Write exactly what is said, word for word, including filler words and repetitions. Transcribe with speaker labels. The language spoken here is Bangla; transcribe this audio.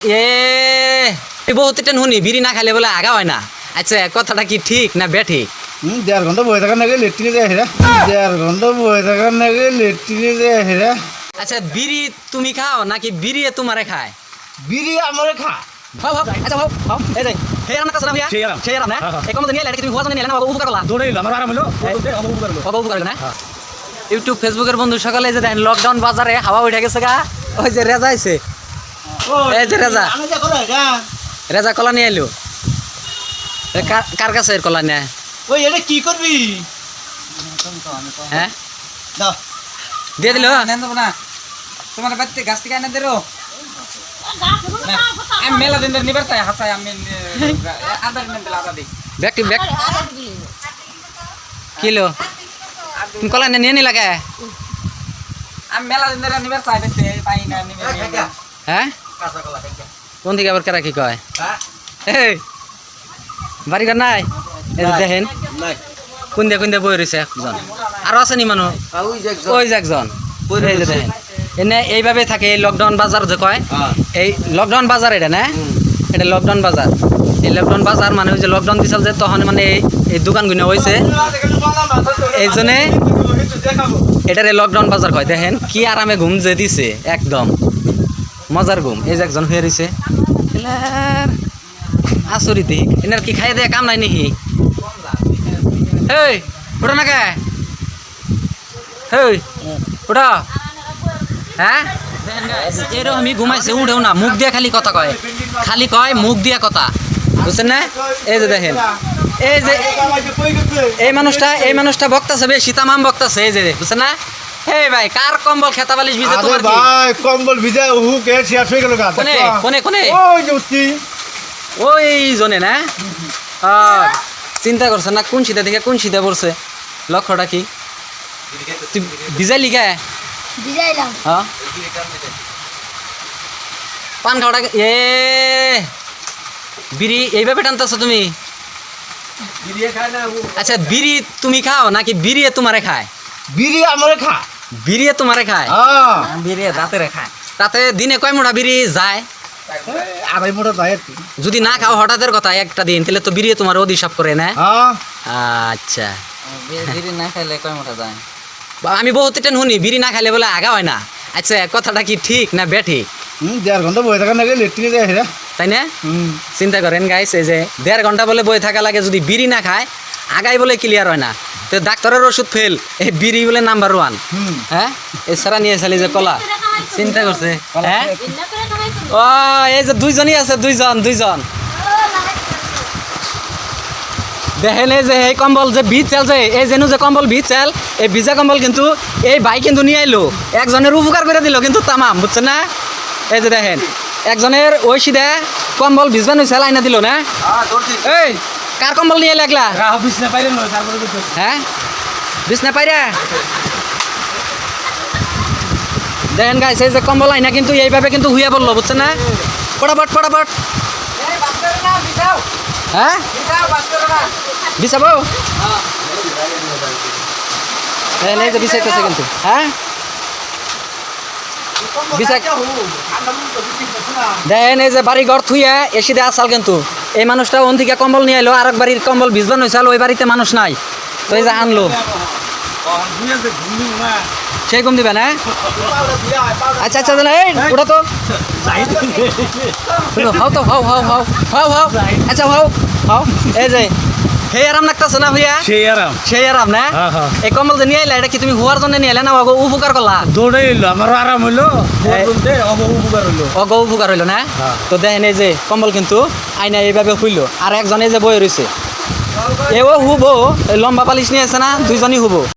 Speaker 1: এ বহুত টেন শুনি বিড়ি না খাইলে বলে আগা হয় না। আচ্ছা কথাটা কি ঠিক না বেঠিক?
Speaker 2: হুম দেড় ঘন্টা বয়ে থাকার নাকি লেট্রিনে যায় হেরা দেড় ঘন্টা বয়ে থাকার নাকি লেট্রিনে যায় হেরা।
Speaker 1: আচ্ছা বিড়ি তুমি খাও নাকি বিড়ি তোমারে খায়?
Speaker 2: বিড়ি আমারে খা।
Speaker 1: ভাও ভাও আচ্ছা ভাও ভাও এই যে হে রান্না কাছে না ভাইয়া
Speaker 2: সেই আরাম।
Speaker 1: সেই রান্না এই কম নিয়ে লাগে তুমি হুয়া জানি নিলে না বাবু উপকার করলা
Speaker 2: দৌড়ে আমার আরাম হলো উপকার হলো
Speaker 1: বাবু উপকার না। ইউটিউব ফেসবুকের বন্ধু সকালে যে দেখেন লকডাউন বাজারে হাওয়া উঠে গেছে গা। ওই যে রেজা আইছে এই যে রেজা
Speaker 2: আমি যা করে গা
Speaker 1: রেজা কলা নিয়ে এলো। কার কাছে এর কলা নিয়ে
Speaker 2: ওই এটা কি করবি?
Speaker 1: হ্যাঁ
Speaker 2: দাও
Speaker 1: দিয়ে দিল
Speaker 3: নেন দেবো না তোমার বাড়িতে গাছ থেকে এনে দেরো আমি মেলা দিন ধরে নিবার চাই হাসাই আমি আধা দিন দিলে আধা দিই
Speaker 1: ব্যাগটি ব্যাগ কিলো তুমি কলা নিয়ে নি লাগে
Speaker 3: আমি মেলা দিন ধরে নিবার চাই দেখতে পাই না নিবে
Speaker 1: হ্যাঁ কোন থেকে আবার কারা কি কয় এই বাড়ি ঘর নাই এই যে দেখেন কোন দিয়ে কোন দিয়ে বই রয়েছে একজন আরো আছে নি মানুষ ওই যে একজন এই যে দেখেন এনে এইভাবে থাকে এই লকডাউন বাজার যে কয় এই লকডাউন বাজার এটা না এটা লকডাউন বাজার এই লকডাউন বাজার মানে ওই যে লকডাউন দিছিল যে তখন মানে এই দোকানগুলো হয়েছে এই জন্যে এটার এই লকডাউন বাজার কয়। দেখেন কি আরামে ঘুম যে দিছে একদম মজার ঘুম। এই যে একজন হয়ে রয়েছে আসরিত এনার কি খাই দেয় কাম নাই নাকি? এই ওটা না কে এই ওটা হ্যাঁ এরকম আমি ঘুমাইছে উঠেও না মুখ দিয়ে খালি কথা কয় খালি কয় মুখ দিয়া কথা বুঝছেন না। এই যে দেখেন এই যে এই মানুষটা এই মানুষটা বক্তাছে বেশি তামাম বক্তাছে এই যে বুঝছেন না। এই ভাই কার কম্বল খেতা বালিশ ভিজে তোমার কি?
Speaker 2: ভাই কম্বল ভিজে হু কে শেষ হয়ে গেল গা।
Speaker 1: কোনে কোনে কোনে
Speaker 2: ওই যে উঠছি
Speaker 1: ওই জনে না চিন্তা করছে না কোন সিধা দেখে কোন সিধা পড়ছে লক্ষ্যটা কি তুই ভিজাইলি গে
Speaker 4: ভিজাইলাম
Speaker 1: হ্যাঁ পান খাওয়াটা এ বিড়ি এইভাবে টানতেছো তুমি? আচ্ছা বিড়ি তুমি খাও নাকি বিড়ি তোমারে খায়?
Speaker 2: বিড়ি আমারে খা।
Speaker 1: বিড়ি তোমারে খায়
Speaker 2: হ্যাঁ
Speaker 3: বিড়ি দাঁতে রেখা
Speaker 1: তাতে দিনে কয় মোটা বিড়ি যায়?
Speaker 2: আড়াই মোটা যায় আর কি।
Speaker 1: যদি না খাও হঠাৎের কথা একটা দিন তাহলে তো বিড়ি তোমার অধিশাপ করে না।
Speaker 2: হ্যাঁ
Speaker 1: আচ্ছা
Speaker 3: বিড়ি না খাইলে কয় মোটা যায়?
Speaker 1: বা আমি বহুত টেন শুনি বিড়ি না খাইলে বলে আগা হয় না। আচ্ছা কথাটা কি ঠিক না বেঠিক?
Speaker 2: হুম দেড় ঘন্টা বয়ে থাকার নাকি লেট্রিনে যায় হেরা।
Speaker 1: তাই না?
Speaker 2: হুম
Speaker 1: চিন্তা করেন গাইস এই যে দেড় ঘন্টা বলে বয়ে থাকা লাগে যদি বিড়ি না খায় আগাই বলে ক্লিয়ার হয় না। তো ডাক্তারের ওষুধ ফেল এই বিড়ি বলে নাম্বার ওয়ান।
Speaker 2: হুম
Speaker 1: হ্যাঁ এছাড়া নিয়ে চালি যে কলা চিন্তা করছে হ্যাঁ ও এই যে দুইজনই আছে দুইজন দুইজন দেখেন এই যে এই কম্বল যে ভিজ চাল যে এই যেন যে কম্বল ভিজ চাল এই ভিজা কম্বল কিন্তু এই ভাই কিন্তু নিয়ে আইলো একজনের উপকার করে দিল কিন্তু তামাম বুঝছেন না। এই যে দেখেন একজনের ওই সিধা কম্বল ভিজবানো চাল আইনা দিল না। এই কার কম্বল নিয়ে লাগলা? হ্যাঁ বিছনা পাইরা দেখেন গাইস এই যে কম্বল আইনা কিন্তু এইভাবে কিন্তু হুইয়া বললো বুঝছেন না। ফটাফট ফটাফট হ্যাঁ বিছাবো এই যে বিছাইতেছে কিন্তু হ্যাঁ দেখেন এই যে বাড়ি ঘর থুইয়া এসি দিয়ে আসাল কিন্তু এই মানুষটা ওন থেকে কম্বল নিয়ে এলো আর এক বাড়ির কম্বল ভিজবানো হয়েছে ওই বাড়িতে মানুষ নাই তো এই যে আনলো সেই ঘুম দিবে না। আচ্ছা আচ্ছা এই ওটা তো হাও তো হাও হাও হাও হাও হাও আচ্ছা হাও হাও এই যে সেই আরাম লাগতেছে না ভাইয়া?
Speaker 2: সেই আরাম
Speaker 1: সেই আরাম না। এই কম্বল যে নিয়ে এলে এটা কি তুমি হুয়ার জন্য নিয়ে এলে না উপকার করলা?
Speaker 2: দৌড়ে এলো আমারও আরাম হইলো উপকার হইলো
Speaker 1: অগ উপকার হইলো না। তো দেখেন এই যে কম্বল কিন্তু আইনা এইভাবে হইলো আর একজনে যে বয়ে রয়েছে এও হুবো লম্বা পালিশ নিয়ে আছে না দুইজনই হুবো।